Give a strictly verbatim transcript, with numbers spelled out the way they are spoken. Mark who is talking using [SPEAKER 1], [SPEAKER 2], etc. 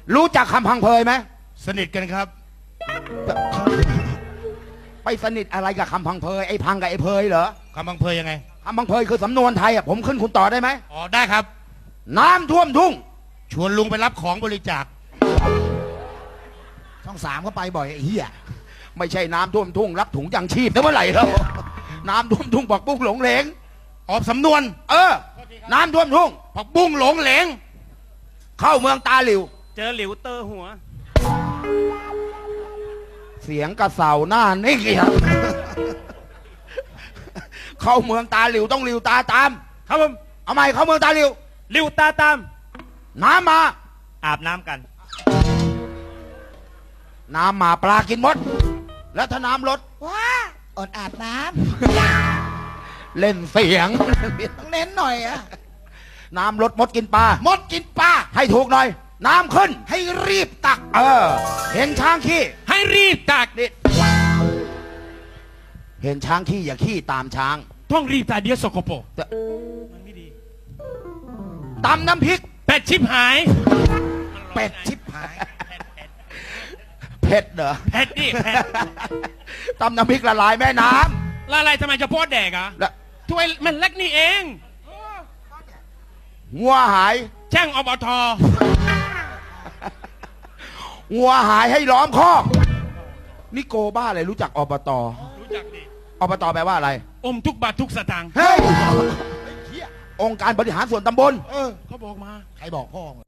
[SPEAKER 1] รู้จักคำพังเพยไหม
[SPEAKER 2] สนิทกันครับ
[SPEAKER 1] ไปสนิทอะไรกับคำพังเพยไอ้พังกับไอ้เพยเหรอ
[SPEAKER 2] คำบังเพยยังไง
[SPEAKER 1] คำพังเพยคือสำนวนไทยอ่ะผมขึ้นคุณต่อได้ไหม
[SPEAKER 2] อ๋อได้ครับ
[SPEAKER 1] น้ำท่วมทุ่ง
[SPEAKER 2] ชวนลุงไปรับของบริจาค
[SPEAKER 3] ช่องสามก็ไปบ่อยไอ้เหี้ย
[SPEAKER 1] ไม่ใช่น้ำท่วมทุ่งรับถุงยางชีพนะเมื่อไหร่แล้วน้ำท่วมทุ่งบอกปุ้งหลงเหลง
[SPEAKER 2] ออกสำนวน
[SPEAKER 1] เออ น้ำท่วมทุ่ง
[SPEAKER 2] ผักบุ้งหลงเหลง
[SPEAKER 1] เข้าเมืองตาหลิว
[SPEAKER 4] เจอหลิวเตอร์หัว
[SPEAKER 1] เสียงกระเสาหน้านิ่งอีกครับ เข้าเมืองตาหลิวต้องหลิวตาตาม
[SPEAKER 4] ครับผม
[SPEAKER 1] เอาใหม่เข้าเมืองตาหลิว
[SPEAKER 4] หลิวตาตาม
[SPEAKER 1] น้ำมา
[SPEAKER 4] อาบน้ำกัน
[SPEAKER 1] น้ำมาปลากินมด แล้วถ้าน้ำลด
[SPEAKER 3] ว้าอดอาบน้
[SPEAKER 1] เล่นเสียง
[SPEAKER 3] ำต้องเน้นหน่อยอะ
[SPEAKER 1] น้ำลดมดกินปลาม
[SPEAKER 3] ดกินปลา
[SPEAKER 1] ให้ถูกหน่อย น้ำขึ้น
[SPEAKER 3] ให้รีบตัก
[SPEAKER 1] เออ เห็นช้างขี้
[SPEAKER 4] ให้รีบตัก
[SPEAKER 1] นี่เห็นช้างขี้อย่าขี้ตามช้าง
[SPEAKER 4] ต้องรีบตักเดียวสกปรก
[SPEAKER 1] แต่
[SPEAKER 4] มันไม่ดี
[SPEAKER 1] ตำน้ำพริก
[SPEAKER 4] เป็ดชิบหาย
[SPEAKER 3] เป็ดชิบหาย
[SPEAKER 1] เผ็ดเหรอ
[SPEAKER 4] เผ็ดดิเผ็ด
[SPEAKER 1] ตำน้ำพริกละลายแม่น้
[SPEAKER 4] แล้วอะไรทำไมจะโพดแดกอ่ะ
[SPEAKER 1] ำแล้ว
[SPEAKER 4] ถ้วยมันเล็กนี่เอง
[SPEAKER 1] งัวหาย
[SPEAKER 4] แช่งอบท
[SPEAKER 1] งัวหายให้ล้อมคอกนี่โกบ้าอะไรรู้จักอบต
[SPEAKER 4] รู้จักดิ
[SPEAKER 1] อบตแปลว่าอะไร
[SPEAKER 4] อมทุกบาททุกสตางค์
[SPEAKER 1] เฮ้ย องค์การบริหารส่วนตำบล
[SPEAKER 3] เออ
[SPEAKER 4] เขาบอกมา
[SPEAKER 3] ใครบอกพ่อมึง